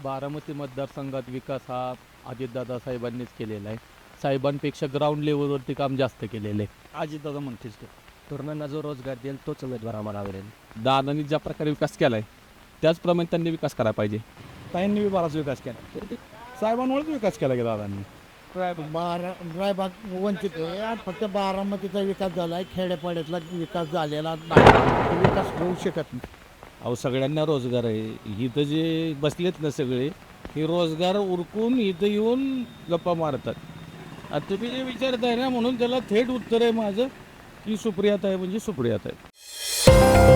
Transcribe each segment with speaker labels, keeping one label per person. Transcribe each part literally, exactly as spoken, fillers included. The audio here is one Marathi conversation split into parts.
Speaker 1: बारामती मतदारसंघात विकास हा अजितदादा साहेबांनीच केलेला आहे. साहेबांपेक्षा ग्राउंड लेवलवरती काम जास्त केलेलं आहे.
Speaker 2: अजितदादा म्हणतेच तो.
Speaker 3: तरुणांना जो रोजगार देईल तोच उमेदवार आम्हाला आवडेल.
Speaker 4: दादांनी ज्या प्रकारे विकास केला आहे त्याचप्रमाणे त्यांनी विकास करायला पाहिजे.
Speaker 2: ताईंनी बी बराच विकास केला, साहेबांमुळेच विकास केला की दादांनी.
Speaker 5: बारा रायबाग वंचित आहे. आज फक्त बारामतीचा विकास झाला आहे, खेड्यापाड्यातला विकास झालेला नाही. विकास होऊ शकत नाही.
Speaker 6: अहो सगळ्यांना रोजगार आहे. इथं जे बसलेत ना सगळे हे रोजगार उरकून इथं येऊन गप्पा मारतात. आता तुम्ही जे विचारताय ना म्हणून त्याला थेट उत्तर आहे माझं की सुप्रियात आहे म्हणजे सुप्रियात आहे.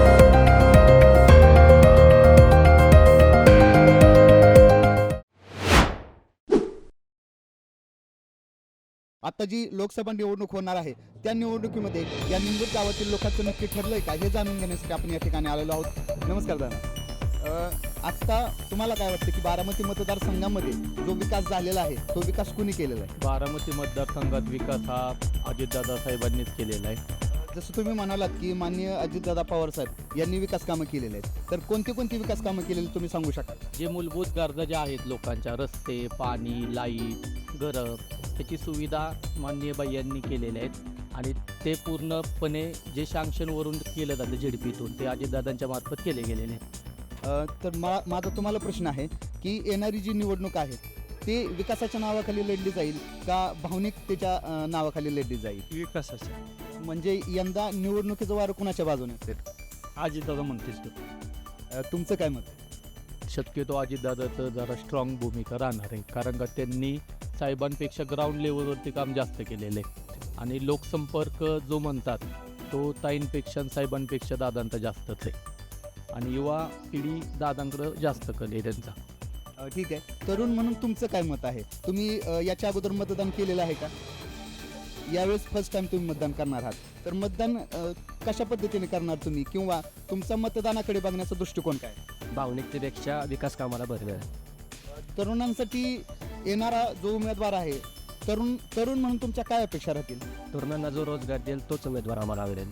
Speaker 7: आता जी लोकसभा निवडणूक होणार आहे त्या निवडणुकीमध्ये या निंबूर गावातील लोकांचं नक्की ठरलंय का हे जाणून घेण्यासाठी आपण या ठिकाणी आलेलो आहोत. नमस्कार दादा. आत्ता तुम्हाला काय वाटतं की बारामती मतदारसंघामध्ये जो विकास झालेला आहे तो विकास कुणी केलेला आहे?
Speaker 1: बारामती मतदारसंघात विकास हा अजितदादा साहेबांनीच केलेला आहे.
Speaker 7: जसं तुम्ही म्हणालात की माननीय अजितदादा पवार साहेब यांनी विकास कामं केलेले आहेत, तर कोणती कोणती विकास कामं केलेली तुम्ही सांगू शकाल?
Speaker 1: जे मूलभूत गरजा ज्या आहेत लोकांच्या, रस्ते, पाणी, लाईट, घरं, त्याची सुविधा माननीय बाई यांनी केलेल्या आहेत आणि ते पूर्णपणे जे सँक्शनवरून केलं जातं झेडपीतून ते अजितदादांच्या मार्फत केले गेलेले आहेत.
Speaker 7: अ, तर मा माझा तुम्हाला प्रश्न आहे की येणारी जी निवडणूक आहे ते विकासाच्या नावाखाली लढली जाईल का भावनिकतेच्या अ, नावाखाली लढली जाईल?
Speaker 2: विकासाच्या.
Speaker 7: म्हणजे यंदा निवडणुकीचं वारं कुणाच्या बाजूने असेल?
Speaker 2: अजितदादा म्हणतेच तो.
Speaker 7: अ, तुमचं काय मत?
Speaker 1: शक्यतो अजितदादाचं जरा स्ट्रॉंग भूमिका राहणार आहे, कारण का त्यांनी साहेबांपेक्षा ग्राउंड लेवलवरती काम जास्त केलेलं आहे आणि लोकसंपर्क जो म्हणतात तो ताईंपेक्षा आणि साहेबांपेक्षा दादांचा जास्तच आहे आणि युवा पिढी दादांकडं जास्त कल आहे त्यांचा.
Speaker 7: अ, ठीक आहे. तरुण म्हणून तुमचं काय मत आहे? तुम्ही अ, याच्या अगोदर मतदान केलेलं आहे का? यावेळेस फर्स्ट टाइम तुम्ही मतदान करणार आहात, तर मतदान अ, कशा पद्धतीने करणार तुम्ही किंवा तुमचा मतदानाकडे बघण्याचा दृष्टिकोन काय?
Speaker 3: भावनिकतेपेक्षा विकास कामाला भर आहे.
Speaker 7: तरुणांसाठी येणारा जो उमेदवार आहे तरुण तरुण म्हणून तुमच्या काय अपेक्षा राहतील?
Speaker 3: तरुणांना जो रोजगार देईल तोच उमेदवार आम्हाला आवडेल.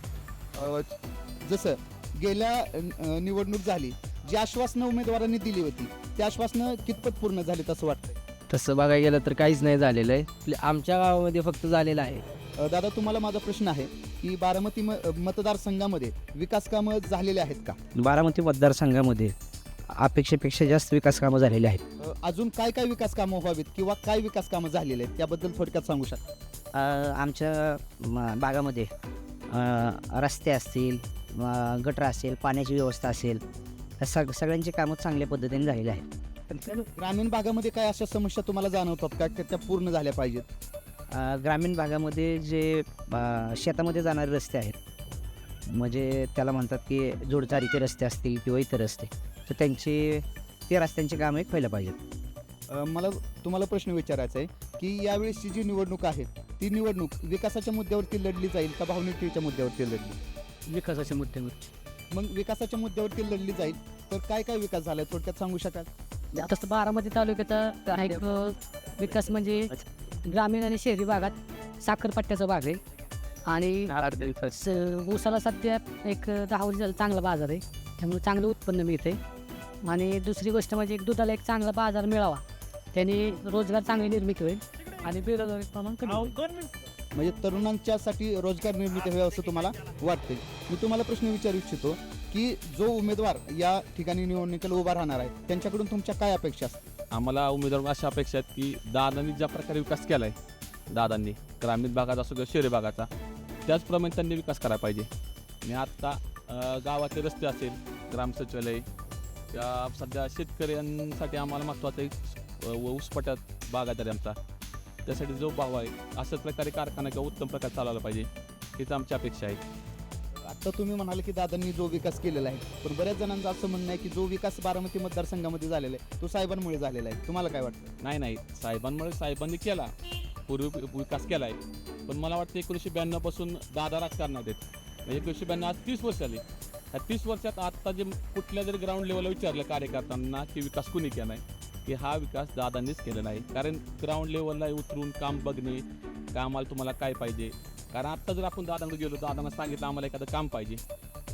Speaker 7: अ, जसं गेल्या अ, निवडणूक झाली, जी आश्वासनं उमेदवारांनी दिली होती त्या आश्वासनं कितपत पूर्ण झालीत असं वाटतं?
Speaker 8: तसं बघायला गेलं तर काहीच नाही झालेलं आहे. आपल्या- आमच्या गावामध्ये फक्त झालेलं आहे.
Speaker 7: अ, दादा तुम्हाला माझा प्रश्न आहे की बारामती म मतदारसंघामध्ये विकास कामं झालेले आहेत का?
Speaker 8: बारामती मतदारसंघामध्ये अपेक्षेपेक्षा जास्त विकास कामं झालेली आहेत.
Speaker 7: अ, अजून काय काय विकास कामं व्हावीत किंवा काय विकास कामं झालेले आहेत त्याबद्दल थोडक्यात सांगू शकता?
Speaker 8: अ, आमच्या म- भागामध्ये अ, रस्ते असतील, अ, गटर असेल, पाण्याची व्यवस्था असेल, या सग सगळ्यांची कामं चांगल्या पद्धतीने झालेली आहेत.
Speaker 7: ग्रामीण भागामध्ये काय अशा समस्या तुम्हाला जाणवतात का की त्या पूर्ण झाल्या पाहिजेत?
Speaker 8: अ, ग्रामीण भागामध्ये जे अ, शेतामध्ये जाणारे रस्ते आहेत, म्हणजे त्याला म्हणतात की जोडचारीचे रस्ते असतील किंवा इतर रस्ते, तर त्यांची ते रस्त्यांची कामं एक व्हायला पाहिजेत.
Speaker 7: अ, मला तुम्हाला प्रश्न विचारायचा आहे की यावेळेसची जी निवडणूक आहे ती निवडणूक विकासाच्या मुद्द्यावरती लढली जाईल का भावनिकतेच्या मुद्द्यावरती लढली?
Speaker 3: विकासाच्या मुद्द्यावर
Speaker 7: मग विकासाच्या मुद्द्यावरती लढली जाईल तर काय काय विकास झालाय थोडक्यात सांगू शकाल?
Speaker 9: तसं बारामती तालुक्याचा आहे अ, विकास म्हणजे ग्रामीण आणि शहरी भागात साखरपट्ट्याचा भाग आहे आणि स- ऊसाला सध्या एक दहा वर्ष चांगला बाजार आहे, त्यामुळे चांगलं उत्पन्न मिळते. आणि दुसरी गोष्ट म्हणजे एक दुधाला एक चांगला बाजार मिळावा, त्याने रोजगार चांगली निर्मिती होईल आणि बेरोजगारी प्रमाण कमी होईल.
Speaker 7: म्हणजे तरुणांच्यासाठी रोजगार निर्मिती व्हावी असं तुम्हाला वाटते. मी तुम्हाला प्रश्न विचारू इच्छितो की जो उमेदवार या ठिकाणी निवडणुकीला उभा राहणार आहे त्यांच्याकडून तुमच्या काय अपेक्षा असतात?
Speaker 4: आम्हाला उमेदवार अशा अपेक्षा आहेत की दादांनी ज्या प्रकारे विकास केला आहे दादांनी ग्रामीण भागात असो किंवा शहरी भागाचा त्याचप्रमाणे त्यांनी विकास करायला पाहिजे. मी आत्ता अ, गावाचे रस्ते असेल, ग्राम सचिवालय, या सध्या शेतकऱ्यांसाठी आम्हाला महत्त्वाचं एक अ, ऊसपट्यात बागायतदारी आमचा, त्यासाठी जो भाव आहे अशाच प्रकारे कारखाना किंवा उत्तम प्रकार चालवला पाहिजे हीच आमची अपेक्षा आहे.
Speaker 7: आता तुम्ही म्हणाले की दादांनी जो विकास केलेला आहे, पण बऱ्याच जणांचं असं म्हणणं आहे की जो विकास बारामती मतदारसंघामध्ये झालेला आहे तो साहेबांमुळे झालेला आहे. तुम्हाला काय वाटतं?
Speaker 4: नाही नाही साहेबांमुळे साहेबांनी केला, पूर्वी विकास केला आहे, पण मला वाटतं एकोणीसशे ब्याण्णवपासून दादा राजकारणात आहेत. म्हणजे एकोणीसशे ब्याण्णव आज तीस वर्ष आली. ह्या तीस वर्षात आत्ता जे कुठल्या जरी ग्राउंड लेवलला विचारलं कार्यकर्त्यांना की विकास कुणी केला आहे, की हा विकास दादांनीच केलेला आहे. कारण ग्राउंड लेवलला उतरून काम बघणे, कामाला तुम्हाला काय पाहिजे, कारण आत्ता जर आपण दादांकडे गेलो दादांना सांगितलं आम्हाला एखादं काम पाहिजे,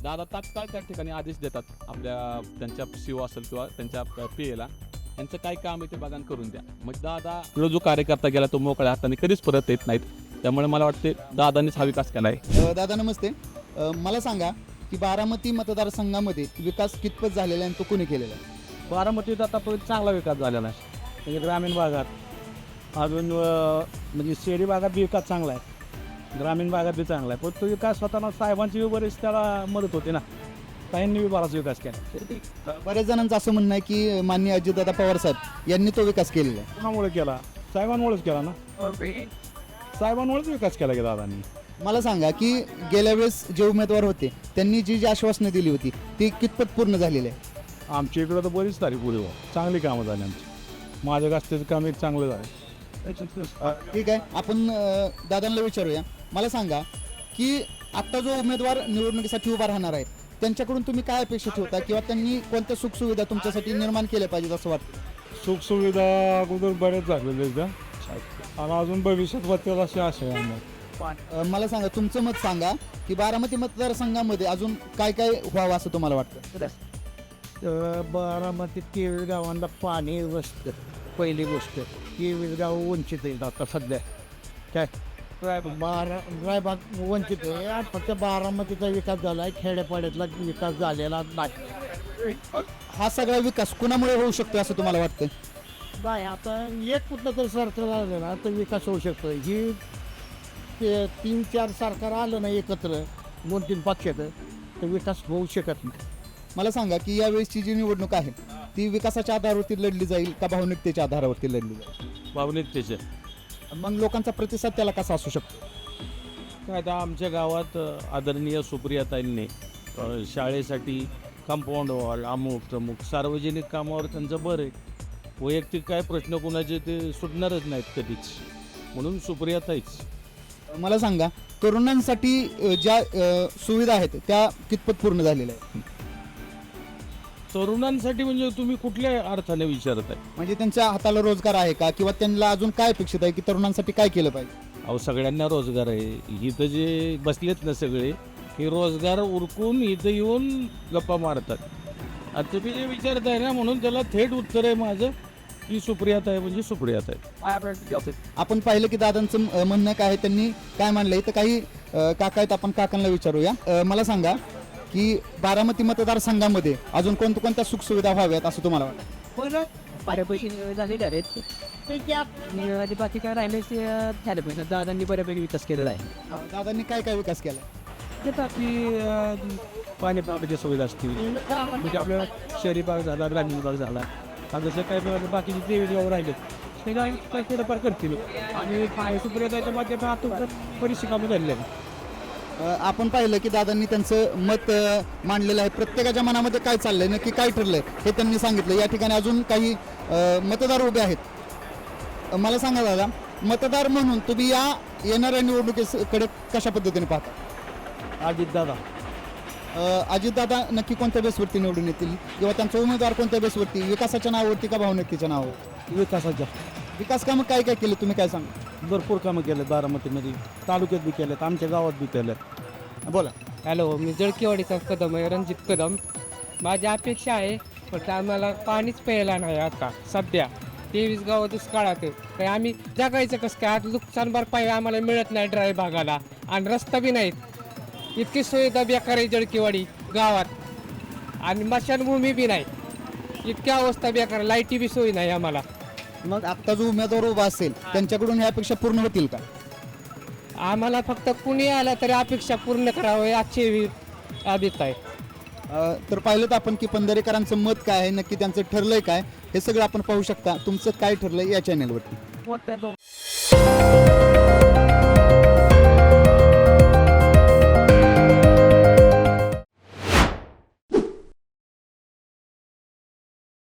Speaker 4: दादा तात्काळ त्या ठिकाणी आदेश देतात आपल्या त्यांच्या सीओ असेल किंवा त्यांच्या पी एला यांचं काय काम आहे ते बघा आणि करून द्या. मग दादा जो कार्यकर्ता गेला तो मोकळ्या हाताने कधीच परत येत नाहीत. त्यामुळे मला वाटते दादांनीच हा विकास केला आहे.
Speaker 7: अ, दादा नमस्ते. अ, मला सांगा की बारामती मतदारसंघामध्ये विकास कितपत झालेला आहे आणि तो कोणी केलेला आहे?
Speaker 2: बारामतीत आतापर्यंत चांगला विकास झालेला आहे. म्हणजे ग्रामीण भागात अजून अ, म्हणजे शहरी भागात बी विकास चांगला आहे, ग्रामीण भागात बी चांगला आहे. पण तो विकास स्वतःला साहेबांची बी बरीच त्याला मदत होते ना, ताईंनी बी बराच विकास केला.
Speaker 7: बऱ्याच जणांचं असं म्हणणं आहे की माननीय अजितदादा पवार साहेब यांनी तो विकास केलेला आहे.
Speaker 2: कोणामुळे केला? साहेबांमुळेच केला ना, साहेबांमुळेच विकास केला की दादांनी.
Speaker 7: मला सांगा की गेल्या वेळेस जे उमेदवार होते त्यांनी जी जी आश्वासनं दिली होती ती कितपत पूर्ण झालेली आहे?
Speaker 2: आमच्या इकडं तर बरीच तारीख पुढे हो, चांगली कामं झाली आमची. माझ्या गास्त्याचं काम एक चांगलं झालं.
Speaker 7: अ, ठीक आहे, आपण अ, दादांना विचारूया. मला सांगा की आत्ता जो उमेदवार निवडणुकीसाठी उभा राहणार आहेत त्यांच्याकडून तुम्ही काय अपेक्षा ठेवता किंवा त्यांनी कोणत्या सुखसुविधा तुमच्यासाठी निर्माण केल्या पाहिजेत असं वाटतं?
Speaker 2: सुखसुविधा अगोदर बऱ्याच झालेल्या आहेत आणि अजून भविष्यात बघतील अशी आशा आहे आम्हाला.
Speaker 7: अ, मला सांगा तुमचं मत सांगा की बारामती मतदारसंघामध्ये अजून काय काय व्हावं असं तुम्हाला वाटतं?
Speaker 5: बारामती केवीस गावांना पाणी वसतं. पहिली गोष्ट केवीस गाव वंचित आहेत आता सध्या. काय बारा रायबाग वंचित आहे आणि फक्त बारामतीचा विकास झाला आहे, खेड्यापाड्यातला विकास झालेला नाही.
Speaker 7: हा सगळा विकास कुणामुळे होऊ शकतो असं तुम्हाला वाटतं?
Speaker 5: नाही आता एक कुठलं तरी सरकार आलं ना तर विकास होऊ शकतो. ही ते तीन चार सरकार आलं ना एकत्र दोन तीन पक्षाचं तर विकास होऊ शकत नाही.
Speaker 7: मला सांगा की यावेळेसची जी निवडणूक आहे ती विकासाच्या आधारावरती लढली जाईल का भावनिकतेच्या आधारावरती लढली जाईल?
Speaker 6: भावनिकतेचे
Speaker 7: मग लोकांचा प्रतिसाद त्याला कसा असू शकतो?
Speaker 6: काय आता आमच्या गावात अ, आदरणीय सुप्रियाताईंनी अ, शाळेसाठी कंपाऊंड वॉल अमुक तमुक सार्वजनिक कामावर त्यांचं बरं आहे. वैयक्तिक काय प्रश्न कोणाचे ते सुटणारच नाहीत कधीच, म्हणून सुप्रियाताईच.
Speaker 7: मला सांगा तरुणांसाठी अ, ज्या अ, सुविधा आहेत त्या कितपत पूर्ण झालेल्या आहेत?
Speaker 6: तरुणांसाठी म्हणजे तुम्ही कुठल्या अर्थाने विचारत आहे?
Speaker 7: म्हणजे त्यांच्या हाताला रोजगार आहे का किंवा त्यांना अजून काय अपेक्षित आहे की तरुणांसाठी काय केलं पाहिजे?
Speaker 6: अहो सगळ्यांना रोजगार आहे. इथं जे बसलेत ना सगळे हे रोजगार उरकून इथं येऊन गप्पा मारतात. आता तुम्ही जे विचारत आहे ना म्हणून त्याला थेट उत्तर आहे माझं की सुप्रियात आहे म्हणजे सुप्रियात आहे.
Speaker 7: आपण पाहिलं की दादांचं अ, म्हणणं काय आहे, त्यांनी काय मांडलंय तर काही अ, काका आहेत, आपण काकांना विचारूया. अ, मला सांगा की बारामती मतदारसंघामध्ये अजून कोणत्या कोणत्या सुखसुविधा व्हाव्यात असं तुम्हाला वाटतं?
Speaker 3: बऱ्यापैकी झालेले आहेत. आणि बाकी काय राहिले ते झालं पाहिजे. दादांनी बऱ्यापैकी विकास केलेला आहे.
Speaker 7: दादांनी काय काय विकास केला?
Speaker 2: ते आपली पाणी पाण्याची सुविधा असतील म्हणजे आपला शहरी भाग झाला, ग्रामीण भाग झाला. आता जसं काय बाकीचे तेवीस गाव राहिले ते काय थोडंफार करतील आणि सुप्रियाच्या माध्यमातून बरीचशी कामं झालेली आहेत.
Speaker 7: अ, आपण पाहिलं की दादांनी त्यांचं मत अ, मांडलेलं आहे. प्रत्येकाच्या मनामध्ये काय चाललंय नक्की काय ठरलंय हे त्यांनी सांगितलं. या ठिकाणी अजून काही अ, मतदार उभे आहेत. अ, मला सांगा दादा, मतदार म्हणून तुम्ही या येणाऱ्या निवडणुकीकडे कशा पद्धतीने पाहता?
Speaker 2: अजितदादा
Speaker 7: अजितदादा नक्की कोणत्या बेसवरती निवडून येतील किंवा त्यांचा उमेदवार कोणत्या बेसवरती, विकासाच्या नावावरती का भावनिकतेच्या नावावर?
Speaker 2: विकासाच्या
Speaker 7: विकास कामं काय काय केले तुम्ही काय सांगा?
Speaker 2: भरपूर कामं केले बारामतीमध्ये, तालुक्यात बी केलेत, आमच्या गावात बी केलेत.
Speaker 7: बोला.
Speaker 3: हॅलो, मी जळकीवाडीचा कदम आहे, रणजित कदम. माझी अपेक्षा आहे फक्त आम्हाला पाणीच प्यायला नाही आता सध्या. तेवीस गावं दुष्काळात आहे. तर आम्ही जगायचं कसं काय? आता नुकसान भरपाई आम्हाला मिळत नाही ड्राय भागाला आणि रस्ता बी नाहीत. इतकी सुविधा बेकार आहे जळकीवाडी गावात आणि मशानभूमी बी नाही. इतकी अवस्था बेकार, लाईटी बी सोय नाही आम्हाला.
Speaker 7: मग आत्ता जो उमेदवार उभा असेल त्यांच्याकडून ह्या अपेक्षा पूर्ण होतील का?
Speaker 3: आम्हाला फक्त कुणी आला तरी अपेक्षा पूर्ण करावी याची अभिप्राय आहे.
Speaker 7: अ, तर पाहिलं तर आपण की पंधरेकरांचं मत काय आहे, नक्की त्यांचं ठरलंय काय हे सगळं आपण पाहू शकता. तुमचं काय ठरलंय या चॅनेलवरती.